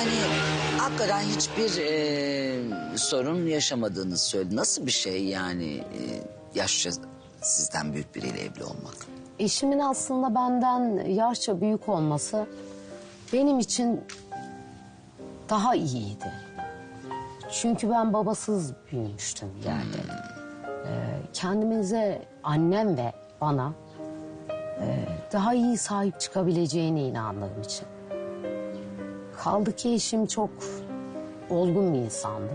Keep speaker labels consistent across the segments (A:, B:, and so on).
A: Yani hakikaten hiçbir sorun yaşamadığınızı söyledi. Nasıl bir şey yani yaşça sizden büyük biriyle evli olmak?
B: Eşimin aslında benden yaşça büyük olması benim için daha iyiydi. Çünkü ben babasız büyümüştüm yani. Kendimize, annem ve bana daha iyi sahip çıkabileceğine inandığım için. Kaldı ki eşim çok olgun bir insandı.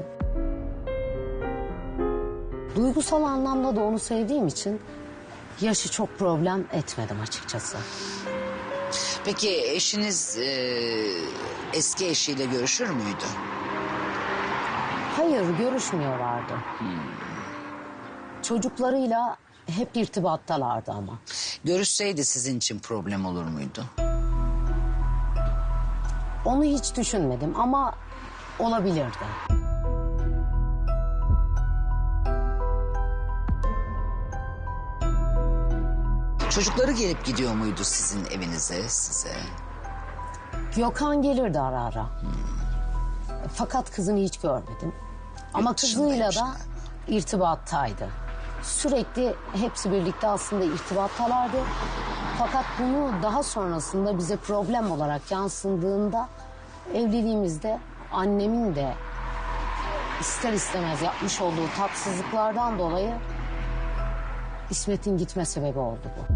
B: Duygusal anlamda da onu sevdiğim için yaşı çok problem etmedim açıkçası.
A: Peki eşiniz eski eşiyle görüşür müydü?
B: Hayır, görüşmüyorlardı. Çocuklarıyla hep irtibattalardı ama.
A: Görüşseydi sizin için problem olur muydu?
B: Onu hiç düşünmedim ama olabilirdi.
A: Çocukları gelip gidiyor muydu sizin evinize, size?
B: Gökhan gelirdi ara ara. Fakat kızını hiç görmedim. Ama
A: Yurt
B: kızıyla da
A: dışındaymışlar.
B: irtibattaydı. Sürekli hepsi birlikte aslında irtibattalardı. Fakat bunu daha sonrasında bize problem olarak yansıdığında evliliğimizde annemin de ister istemez yapmış olduğu tatsızlıklardan dolayı İsmet'in gitme sebebi oldu bu.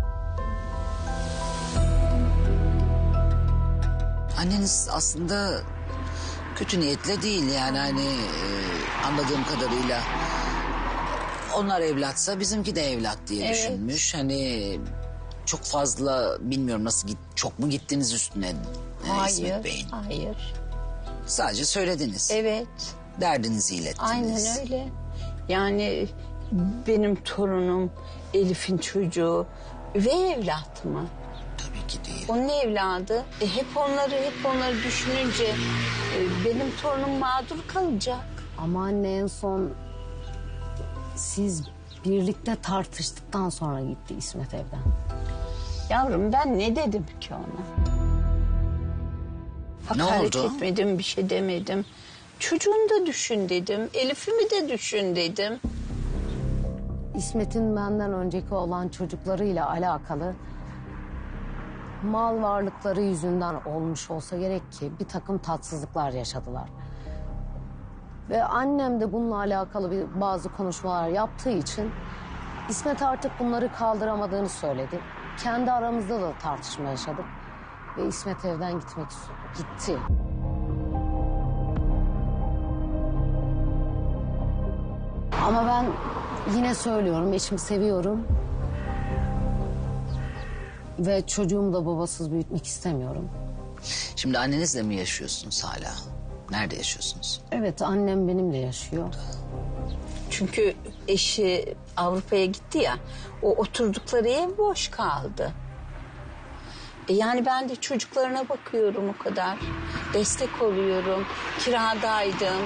A: Anneniz aslında kötü niyetle değil yani hani anladığım kadarıyla onlar evlatsa bizimki de evlat diye düşünmüş. Hani çok fazla bilmiyorum nasıl çok mu gittiniz üstüne İsmet Bey'in?
C: Hayır.
A: Sadece söylediniz.
C: Evet.
A: Derdinizi ilettiniz.
C: Aynen öyle. Yani benim torunum Elif'in çocuğu ve evlat mı?
A: Tabii ki değil.
C: Onun evladı. Hep onları düşününce benim torunum mağdur kalacak.
B: Ama anne en son siz birlikte tartıştıktan sonra gitti İsmet evden.
C: Yavrum ben ne dedim ki ona?
A: Ne
C: Hakaret
A: oldu?
C: etmedim, bir şey demedim. Çocuğunu da düşün dedim. Elif'imi de düşün dedim.
B: İsmet'in benden önceki olan çocuklarıyla alakalı mal varlıkları yüzünden olmuş olsa gerek ki bir takım tatsızlıklar yaşadılar. Ve annem de bununla alakalı bazı konuşmalar yaptığı için İsmet artık bunları kaldıramadığını söyledi. Kendi aramızda da tartışma yaşadık ve İsmet evden gitti. Ama ben yine söylüyorum, eşimi seviyorum. Ve çocuğumu da babasız büyütmek istemiyorum.
A: Şimdi annenizle mi yaşıyorsunuz hala? Nerede yaşıyorsunuz?
B: Evet, annem benimle yaşıyor.
C: Çünkü eşi Avrupa'ya gitti ya, o oturdukları ev boş kaldı. Yani ben de çocuklarına bakıyorum o kadar. Destek oluyorum, kiradaydım.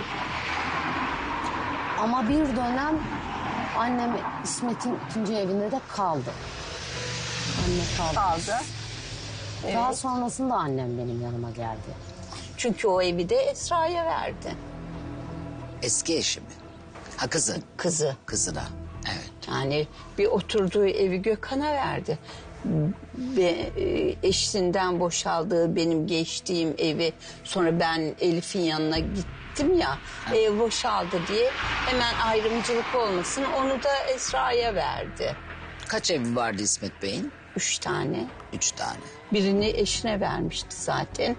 B: Ama bir dönem annem İsmet'in ikinci evinde de kaldı. Anne kaldı. Daha
C: Evet.
B: sonrasında annem benim yanıma geldi.
C: Çünkü o evi de Esra'ya verdi.
A: Eski eşi mi? Ha kızı.
C: Kızı.
A: Kızına. Evet.
C: Yani bir oturduğu evi Gökhan'a verdi. Ve eşinden boşaldığı benim geçtiğim evi sonra ben Elif'in yanına gittim ya, ev boşaldı diye hemen ayrımcılık olmasın onu da Esra'ya verdi.
A: Kaç evi vardı İsmet Bey'in?
C: 3 tane.
A: 3 tane.
C: Birini eşine vermişti zaten.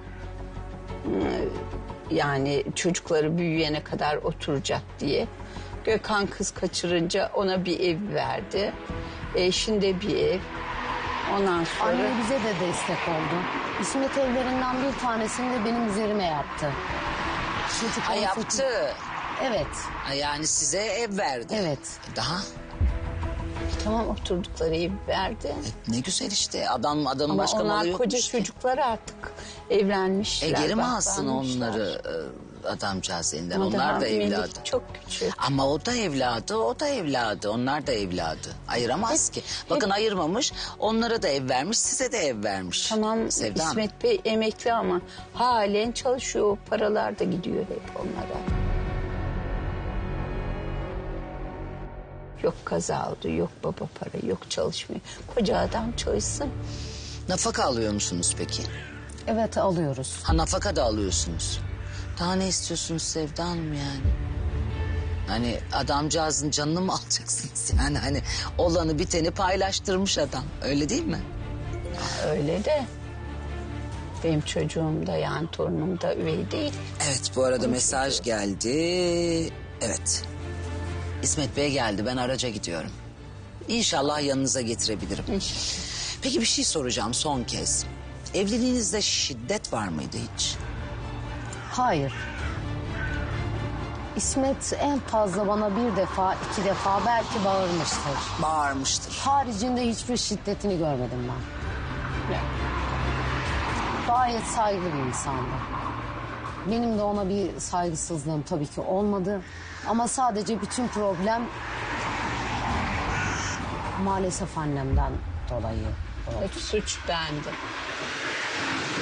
C: Yani çocukları büyüyene kadar oturacak diye. Gökhan kız kaçırınca ona bir ev verdi. Eşinde bir ev. Ondan sonra...
B: Anne bize de destek oldu. İsmet evlerinden bir tanesini de benim üzerime yaptı.
A: Ha yaptı.
B: Evet,
A: Ha, yani size ev verdi.
B: evet.
A: Daha
C: Tamam oturdukları evi verdi.
A: ne güzel işte adamın
C: Ama
A: başka malı
C: onlar
A: yokmuş
C: koca
A: ki.
C: çocuklar artık evlenmişler.
A: Geri mi alsın
C: baklanmışlar.
A: onları adamcağız elinden.
C: Ama daha
A: Onlar da
C: Melih
A: evladı.
C: çok küçük.
A: Ama o da evladı, o da evladı. Onlar da evladı. Ayıramaz ki. Bakın ayırmamış, onlara da ev vermiş, size de ev vermiş.
C: Tamam
A: Sevda Hanım.
C: İsmet Bey emekli ama halen çalışıyor. O paralar da gidiyor hep onlara. Yok kaza oldu, yok baba para, yok çalışmıyor. Koca adam çalışsın.
A: Nafaka alıyor musunuz peki?
B: Evet alıyoruz.
A: Ha, nafaka da alıyorsunuz. Daha ne istiyorsunuz Sevda Hanım yani? Hani adamcağızın canını mı alacaksınız yani? Hani olanı biteni paylaştırmış adam. Öyle değil mi?
C: Öyle de benim çocuğum da yani torunum da üvey değil.
A: Evet, bu arada mesaj geldi. Evet. İsmet Bey geldi, ben araca gidiyorum. İnşallah yanınıza getirebilirim. Peki bir şey soracağım son kez. Evliliğinizde şiddet var mıydı hiç?
B: Hayır. İsmet en fazla bana bir defa, iki defa belki bağırmıştır.
A: Bağırmıştır.
B: Haricinde hiçbir şiddetini görmedim ben. Gayet saygılı bir insandı. Benim de ona bir saygısızlığım tabii ki olmadı. Ama sadece bütün problem maalesef annemden dolayı.
C: Hep suç bende.